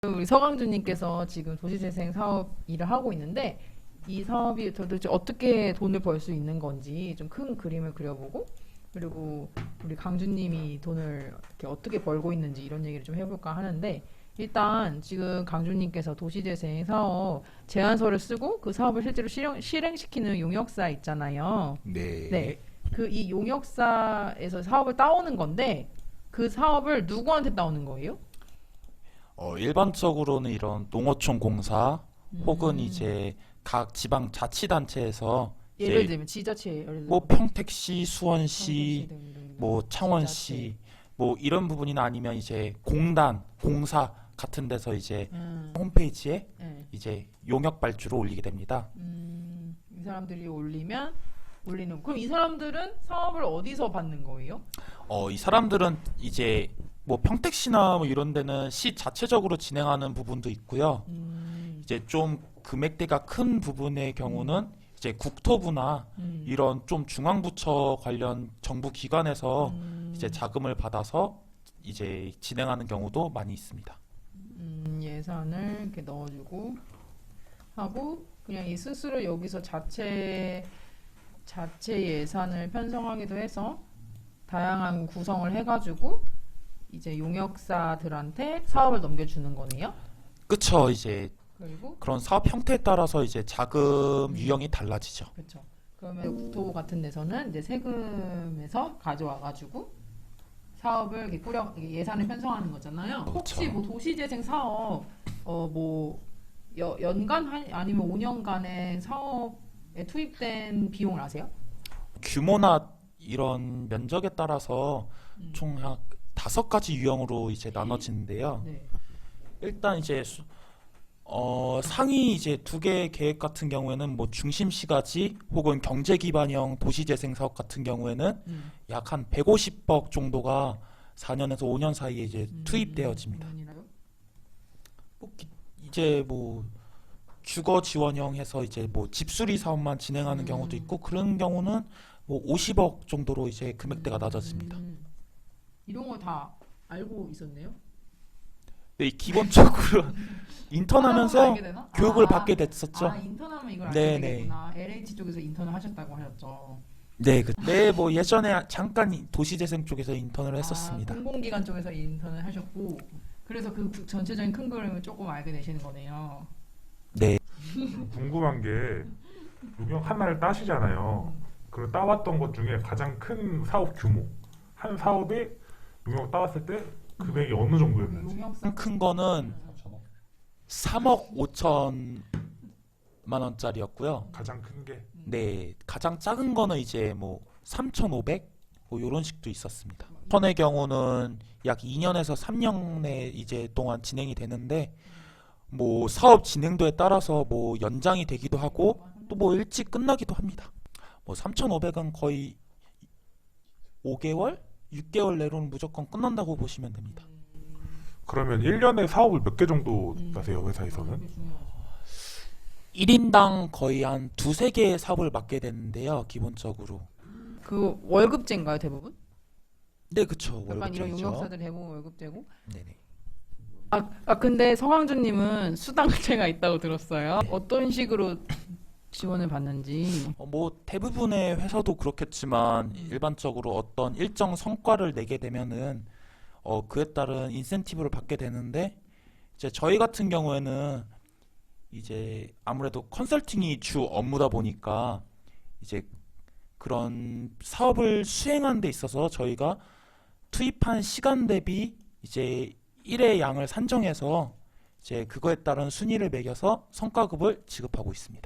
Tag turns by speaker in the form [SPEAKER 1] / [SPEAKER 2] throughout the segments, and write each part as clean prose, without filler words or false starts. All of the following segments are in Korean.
[SPEAKER 1] 우리 서강준님께서 지금 도시재생 사업 일을 하고 있는데 이 사업이 도대체 어떻게 돈을 벌 수 있는 건지 좀 큰 그림을 그려보고 그리고 우리 강준님이 돈을 이렇게 어떻게 벌고 있는지 이런 얘기를 좀 해볼까 하는데 일단 지금 강준님께서 도시재생 사업 제안서를 쓰고 그 사업을 실제로 실행시키는 용역사 있잖아요.
[SPEAKER 2] 네.
[SPEAKER 1] 네. 그 이 용역사에서 사업을 따오는 건데 그 사업을 누구한테 따오는 거예요?
[SPEAKER 2] 일반적으로는 이런 농어촌 공사 혹은
[SPEAKER 1] 음.
[SPEAKER 2] 이제 각 지방 자치단체에서
[SPEAKER 1] 예를
[SPEAKER 2] 이제
[SPEAKER 1] 들면 지자체 예를 들면
[SPEAKER 2] 뭐 평택시, 수원시,
[SPEAKER 1] 성남시 등등
[SPEAKER 2] 뭐 창원시 뭐 이런 부분이나 아니면 이제 공단, 공사 같은 데서 이제 홈페이지에
[SPEAKER 1] 네.
[SPEAKER 2] 이제 용역 발주를 올리게 됩니다.
[SPEAKER 1] 이 사람들이 올리는 그럼 이 사람들은 사업을 어디서 받는 거예요?
[SPEAKER 2] 이 사람들은 이제 뭐 평택시나 뭐 이런 데는 시 자체적으로 진행하는 부분도 있고요. 이제 좀 금액대가 큰 부분의 경우는 이제 국토부나 이런 좀 중앙부처 관련 정부 기관에서 이제 자금을 받아서 이제 진행하는 경우도 많이 있습니다.
[SPEAKER 1] 예산을 이렇게 넣어주고 하고 그냥 이 스스로 여기서 자체 예산을 편성하기도 해서 다양한 구성을 해가지고 이제 용역사들한테 사업을 넘겨주는 거네요.
[SPEAKER 2] 그쵸. 이제
[SPEAKER 1] 그리고
[SPEAKER 2] 그런 사업 형태에 따라서 이제 자금 유형이 달라지죠.
[SPEAKER 1] 그렇죠. 그러면 국토부 같은 데서는 이제 세금에서 가져와가지고 사업을 이렇게 예산을 편성하는 거잖아요. 혹시
[SPEAKER 2] 그렇죠.
[SPEAKER 1] 뭐 도시재생 사업 뭐 연간 아니면 5년간의 사업에 투입된 비용을 아세요?
[SPEAKER 2] 규모나 이런 면적에 따라서 총 한 5가지 유형으로 이제 나눠지는데요.
[SPEAKER 1] 네.
[SPEAKER 2] 일단 이제 상위 이제 2개 계획 같은 경우에는 뭐 중심시가지 혹은 경제기반형 도시재생 사업 같은 경우에는 약 한 150억 정도가 4년에서 5년 사이에 이제 투입되어집니다. 이제 뭐 주거 지원형 해서 이제 뭐 집수리 사업만 진행하는 경우도 있고 그런 경우는 뭐 50억 정도로 이제 금액대가 낮아집니다.
[SPEAKER 1] 이런 거 다 알고 있었네요.
[SPEAKER 2] 네, 기본적으로 인턴하면서
[SPEAKER 1] 알게 되나?
[SPEAKER 2] 교육을 받게 됐었죠.
[SPEAKER 1] 인턴하면 이걸
[SPEAKER 2] 네,
[SPEAKER 1] 알게
[SPEAKER 2] 네.
[SPEAKER 1] 되겠구나. LH 쪽에서 인턴을 하셨다고 하셨죠.
[SPEAKER 2] 네, 뭐 예전에 잠깐 도시재생 쪽에서 인턴을 했었습니다.
[SPEAKER 1] 공공기관 쪽에서 인턴을 하셨고 그래서 그 전체적인 큰 그림을 조금 알게 되시는 거네요.
[SPEAKER 2] 네,
[SPEAKER 3] 궁금한 게 용역 하나를 따시잖아요. 그리고 따왔던 것 중에 가장 큰 사업 규모, 한 사업에 용역 따왔을 때 금액이 어느 정도였는지.
[SPEAKER 1] 용역사
[SPEAKER 2] 큰 거는 3억 5천만 원짜리였고요.
[SPEAKER 3] 가장 큰 게.
[SPEAKER 2] 네, 가장 작은 거는 이제 뭐 3,500? 뭐 요런 식도 있었습니다. 천의 경우는 약 2년에서 3년에 이제 동안 진행이 되는데 뭐 사업 진행도에 따라서 뭐 연장이 되기도 하고 또 뭐 일찍 끝나기도 합니다. 뭐 3,500은 거의 5개월? 6개월 내로는 무조건 끝난다고 보시면 됩니다.
[SPEAKER 3] 그러면 1년에 사업을 몇 개 정도 따세요, 회사에서는?
[SPEAKER 2] 1인당 거의 한 두세 개의 사업을 맡게 되는데요, 기본적으로.
[SPEAKER 1] 그 월급제인가요 대부분?
[SPEAKER 2] 네, 그쵸.
[SPEAKER 1] 약간 이런
[SPEAKER 2] 월급제죠.
[SPEAKER 1] 용역사들 대부분 월급제고.
[SPEAKER 2] 네네.
[SPEAKER 1] 근데 서강준님은 수당제가 있다고 들었어요. 어떤 식으로 지원을 받는지.
[SPEAKER 2] 뭐 대부분의 회사도 그렇겠지만 일반적으로 어떤 일정 성과를 내게 되면은 그에 따른 인센티브를 받게 되는데 이제 저희 같은 경우에는 이제 아무래도 컨설팅이 주 업무다 보니까 이제 그런 사업을 수행하는 데 있어서 저희가 투입한 시간 대비 이제 일의 양을 산정해서 이제 그거에 따른 순위를 매겨서 성과급을 지급하고 있습니다.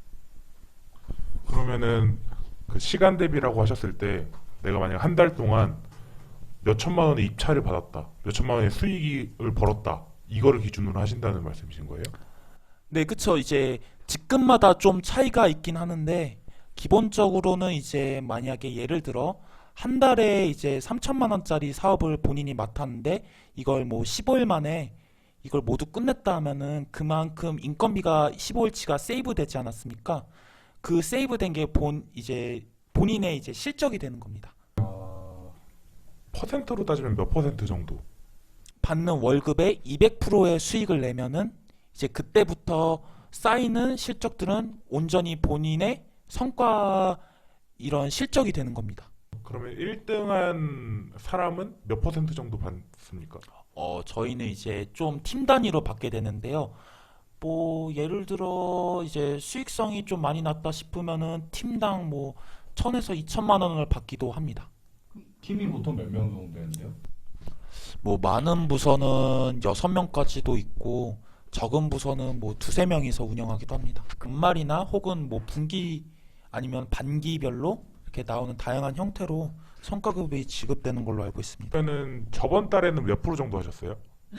[SPEAKER 3] 그러면은 그 시간 대비라고 하셨을 때 내가 만약 한 달 동안 몇 천만 원의 입찰을 받았다, 몇 천만 원의 수익을 벌었다, 이거를 기준으로 하신다는 말씀이신 거예요?
[SPEAKER 2] 네, 그쵸. 이제 직급마다 좀 차이가 있긴 하는데 기본적으로는 이제 만약에 예를 들어 한 달에 이제 3천만 원짜리 사업을 본인이 맡았는데 이걸 뭐 15일 만에 이걸 모두 끝냈다 하면은 그만큼 인건비가 15일치가 세이브 되지 않았습니까? 그 세이브 된 게 이제 본인의 이제 실적이 되는 겁니다.
[SPEAKER 3] 퍼센트로 따지면 몇 퍼센트 정도?
[SPEAKER 2] 받는 월급의 200%의 수익을 내면은 이제 그때부터 쌓이는 실적들은 온전히 본인의 성과 이런 실적이 되는 겁니다.
[SPEAKER 3] 그러면 1등한 사람은 몇 퍼센트 정도 받습니까?
[SPEAKER 2] 저희는 이제 좀 팀 단위로 받게 되는데요. 뭐 예를 들어 이제 수익성이 좀 많이 났다 싶으면은 팀당 뭐 1,000에서 2천만 원을 받기도 합니다.
[SPEAKER 4] 팀이 보통 몇 명 정도 되는데요?
[SPEAKER 2] 뭐 많은 부서는 6명까지도 있고 적은 부서는 뭐 2~3명이서 운영하기도 합니다. 분말이나 혹은 뭐 분기 아니면 반기별로 이렇게 나오는 다양한 형태로 성과급이 지급되는 걸로 알고 있습니다.
[SPEAKER 3] 그러면은 저번 달에는 몇 프로 정도 하셨어요?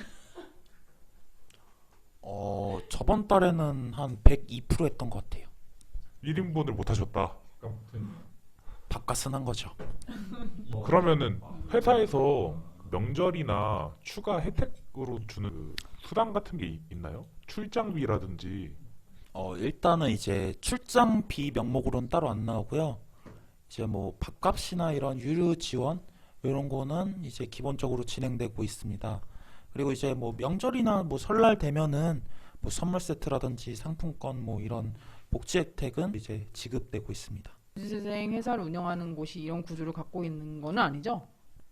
[SPEAKER 2] 저번 달에는 한 102% 했던 것 같아요.
[SPEAKER 3] 1인분을 못 하셨다.
[SPEAKER 2] 바깥은 한 거죠.
[SPEAKER 3] 그러면은 회사에서 명절이나 추가 혜택으로 주는 그 수당 같은 게 있나요? 출장비라든지.
[SPEAKER 2] 일단은 이제 출장비 명목으로는 따로 안 나오고요. 이제 뭐 밥값이나 이런 유류 지원 이런 거는 이제 기본적으로 진행되고 있습니다. 그리고 이제 뭐 명절이나 뭐 설날 되면은 뭐 선물 세트라든지 상품권 뭐 이런 복지 혜택은 이제 지급되고 있습니다.
[SPEAKER 1] 도시재생 회사를 운영하는 곳이 이런 구조를 갖고 있는 건 아니죠?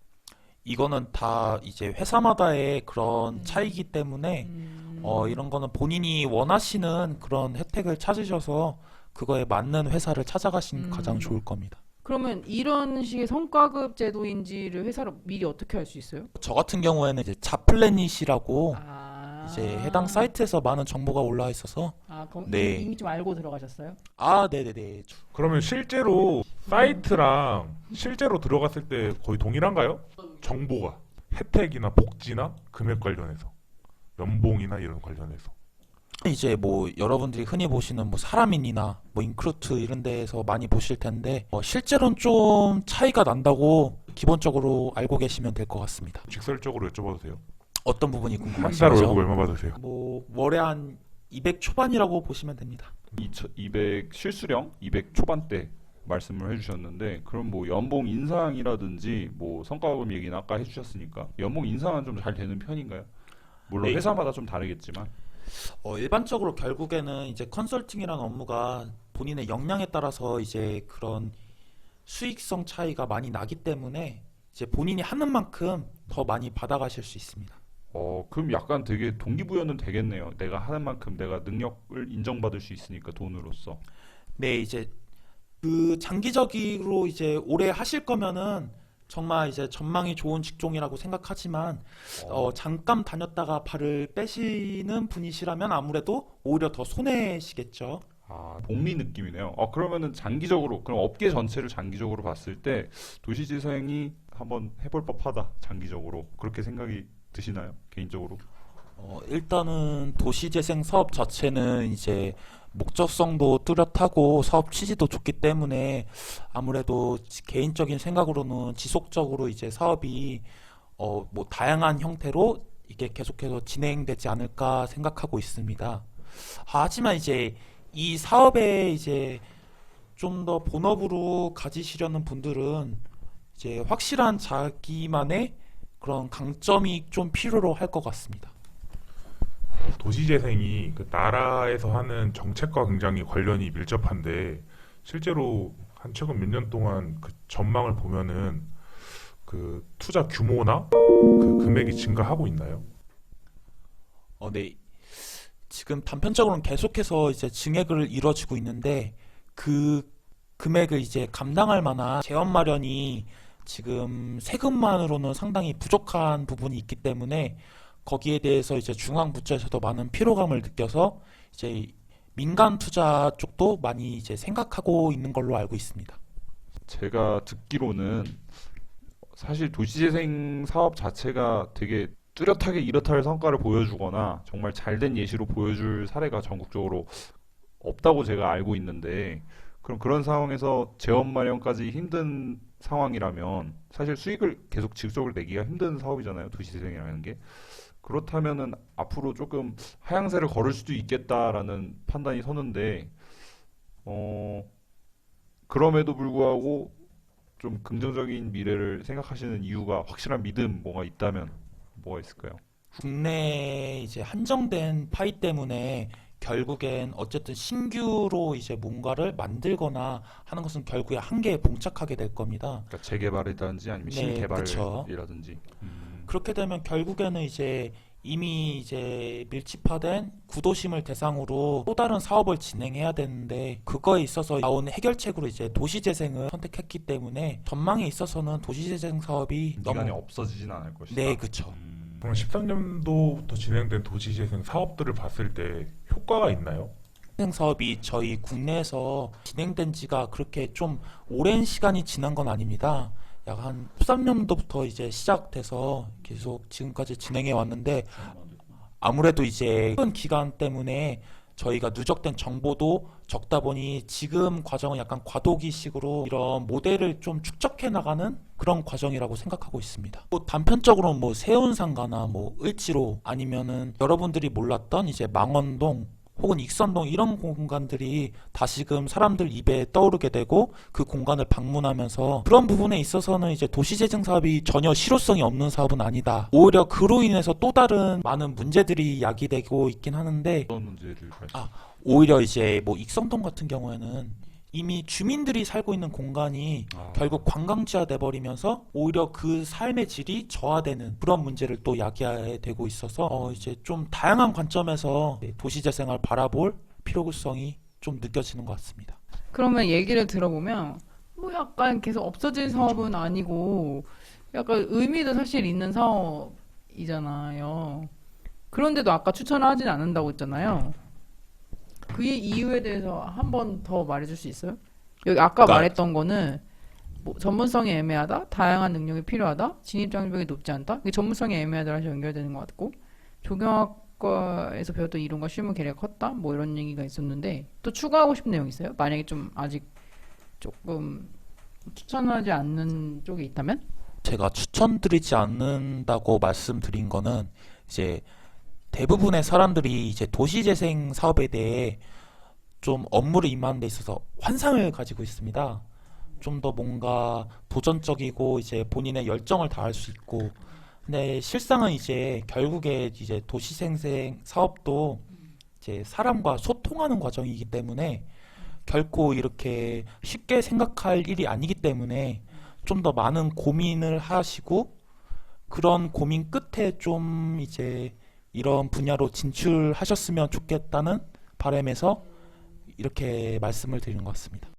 [SPEAKER 2] 이거는 다 이제 회사마다의 그런 차이기 때문에 이런 거는 본인이 원하시는 그런 혜택을 찾으셔서 그거에 맞는 회사를 찾아가시는 게 가장 좋을 겁니다.
[SPEAKER 1] 그러면 이런 식의 성과급 제도인지를 회사로 미리 어떻게 알 수 있어요?
[SPEAKER 2] 저 같은 경우에는 이제 자플래닛이라고
[SPEAKER 1] 아,
[SPEAKER 2] 이제 해당 사이트에서 많은 정보가 올라와 있어서 네.
[SPEAKER 1] 이미 좀 알고 들어가셨어요?
[SPEAKER 2] 네네네.
[SPEAKER 3] 그러면 실제로 사이트랑 실제로 들어갔을 때 거의 동일한가요? 정보가 혜택이나 복지나 금액 관련해서 연봉이나 이런 관련해서.
[SPEAKER 2] 이제 뭐 여러분들이 흔히 보시는 뭐 사람인이나 뭐 인크루트 이런 데에서 많이 보실 텐데 실제로는 좀 차이가 난다고 기본적으로 알고 계시면 될 것 같습니다.
[SPEAKER 3] 직설적으로 여쭤봐도 돼요?
[SPEAKER 2] 어떤 부분이
[SPEAKER 3] 한 달
[SPEAKER 2] 궁금하시죠?
[SPEAKER 3] 월급 얼마 받으세요?
[SPEAKER 2] 뭐 월에 한 200 초반이라고 보시면 됩니다.
[SPEAKER 4] 200 실수령 200 초반대 말씀을 해주셨는데, 그럼 뭐 연봉 인상이라든지 뭐 성과급 얘기는 아까 해주셨으니까 연봉 인상은 좀 잘 되는 편인가요? 물론
[SPEAKER 2] 네.
[SPEAKER 4] 회사마다 좀 다르겠지만.
[SPEAKER 2] 일반적으로 결국에는 이제 컨설팅이라는 업무가 본인의 역량에 따라서 이제 그런 수익성 차이가 많이 나기 때문에 이제 본인이 하는 만큼 더 많이 받아가실 수 있습니다.
[SPEAKER 4] 그럼 약간 되게 동기부여는 되겠네요. 내가 하는 만큼 내가 능력을 인정받을 수 있으니까 돈으로서.
[SPEAKER 2] 네, 이제 그 장기적으로 이제 오래 하실 거면은 정말 이제 전망이 좋은 직종이라고 생각하지만 잠깐 다녔다가 발을 빼시는 분이시라면 아무래도 오히려 더 손해시겠죠.
[SPEAKER 4] 복리 느낌이네요. 그러면은 장기적으로, 그럼 업계 전체를 장기적으로 봤을 때 도시재생이 한번 해볼 법하다, 장기적으로 그렇게 생각이 드시나요? 개인적으로?
[SPEAKER 2] 일단은 도시재생 사업 자체는 이제 목적성도 뚜렷하고 사업 취지도 좋기 때문에 아무래도 개인적인 생각으로는 지속적으로 이제 사업이 뭐 다양한 형태로 이게 계속해서 진행되지 않을까 생각하고 있습니다. 하지만 이제 이 사업에 이제 좀 더 본업으로 가지시려는 분들은 이제 확실한 자기만의 그런 강점이 좀 필요로 할 것 같습니다.
[SPEAKER 3] 도시재생이 그 나라에서 하는 정책과 굉장히 관련이 밀접한데 실제로 한 최근 몇 년 동안 그 전망을 보면은 그 투자 규모나 그 금액이 증가하고 있나요?
[SPEAKER 2] 네. 지금 단편적으로는 계속해서 이제 증액을 이뤄지고 있는데 그 금액을 이제 감당할 만한 재원 마련이 지금 세금만으로는 상당히 부족한 부분이 있기 때문에 거기에 대해서 이제 중앙부처에서도 많은 피로감을 느껴서 이제 민간 투자 쪽도 많이 이제 생각하고 있는 걸로 알고 있습니다.
[SPEAKER 4] 제가 듣기로는 사실 도시재생 사업 자체가 되게 뚜렷하게 이렇다 할 성과를 보여주거나 정말 잘된 예시로 보여줄 사례가 전국적으로 없다고 제가 알고 있는데, 그럼 그런 상황에서 재원 마련까지 힘든 상황이라면 사실 수익을 계속 지속적으로 내기가 힘든 사업이잖아요, 도시재생이라는 게. 그렇다면은 앞으로 조금 하향세를 걸을 수도 있겠다라는 판단이 서는데, 그럼에도 불구하고 좀 긍정적인 미래를 생각하시는 이유가, 확실한 믿음 뭐가 있다면 뭐가 있을까요?
[SPEAKER 2] 국내 이제 한정된 파이 때문에 결국엔 어쨌든 신규로 이제 뭔가를 만들거나 하는 것은 결국에 한계에 봉착하게 될 겁니다.
[SPEAKER 4] 그러니까 재개발이라든지 아니면
[SPEAKER 2] 네, 그쵸.
[SPEAKER 4] 신개발이라든지.
[SPEAKER 2] 그렇게 되면 결국에는 이제 이미 이제 밀집화된 구도심을 대상으로 또 다른 사업을 진행해야 되는데 그거에 있어서 나온 해결책으로 이제 도시재생을 선택했기 때문에 전망에 있어서는 도시재생 사업이
[SPEAKER 4] 기간이
[SPEAKER 2] 너무
[SPEAKER 4] 없어지진 않을 것이다.
[SPEAKER 2] 네, 그쵸.
[SPEAKER 3] 그럼 13년도부터 진행된 도시재생 사업들을 봤을 때 효과가 있나요?
[SPEAKER 2] 재생 사업이 저희 국내에서 진행된 지가 그렇게 좀 오랜 시간이 지난 건 아닙니다. 약 한 13년도부터 이제 시작돼서 계속 지금까지 진행해 왔는데 아무래도 이제 큰 기간 때문에 저희가 누적된 정보도 적다 보니 지금 과정은 약간 과도기식으로 이런 모델을 좀 축적해 나가는 그런 과정이라고 생각하고 있습니다. 또 단편적으로 뭐 세운상가나 뭐 을지로 아니면은 여러분들이 몰랐던 이제 망원동 혹은 익선동 이런 공간들이 다시금 사람들 입에 떠오르게 되고 그 공간을 방문하면서 그런 부분에 있어서는 이제 도시재생 사업이 전혀 실효성이 없는 사업은 아니다. 오히려 그로 인해서 또 다른 많은 문제들이 야기되고 있긴 하는데
[SPEAKER 4] 어떤 문제를 발생?
[SPEAKER 2] 오히려 이제 뭐 익선동 같은 경우에는 이미 주민들이 살고 있는 공간이 결국 관광지화 돼버리면서 오히려 그 삶의 질이 저하되는 그런 문제를 또 야기하게 되고 있어서 이제 좀 다양한 관점에서 도시재생을 바라볼 필요성이 좀 느껴지는 것 같습니다.
[SPEAKER 1] 그러면 얘기를 들어보면 뭐 약간 계속 없어진 사업은 아니고 약간 의미도 사실 있는 사업이잖아요. 그런데도 아까 추천을 하진 않는다고 했잖아요. 그 이유에 대해서 한 번 더 말해줄 수 있어요? 여기 아까
[SPEAKER 2] 그러니까-
[SPEAKER 1] 말했던 거는 뭐 전문성이 애매하다, 다양한 능력이 필요하다, 진입 장벽이 높지 않다. 이게 전문성이 애매하다랑 연결되는 것 같고 조경학과에서 배웠던 이론과 실무 괴리가 컸다, 뭐 이런 얘기가 있었는데 또 추가하고 싶은 내용 있어요? 만약에 좀 아직 조금 추천하지 않는 쪽이 있다면?
[SPEAKER 2] 제가 추천드리지 않는다고 말씀드린 거는 이제 대부분의 사람들이 이제 도시재생 사업에 대해 좀 업무를 임하는 데 있어서 환상을 가지고 있습니다. 좀 더 뭔가 도전적이고 이제 본인의 열정을 다할 수 있고 근데 실상은 이제 결국에 이제 도시재생 사업도 이제 사람과 소통하는 과정이기 때문에 결코 이렇게 쉽게 생각할 일이 아니기 때문에 좀 더 많은 고민을 하시고 그런 고민 끝에 좀 이제 이런 분야로 진출하셨으면 좋겠다는 바람에서 이렇게 말씀을 드리는 것 같습니다.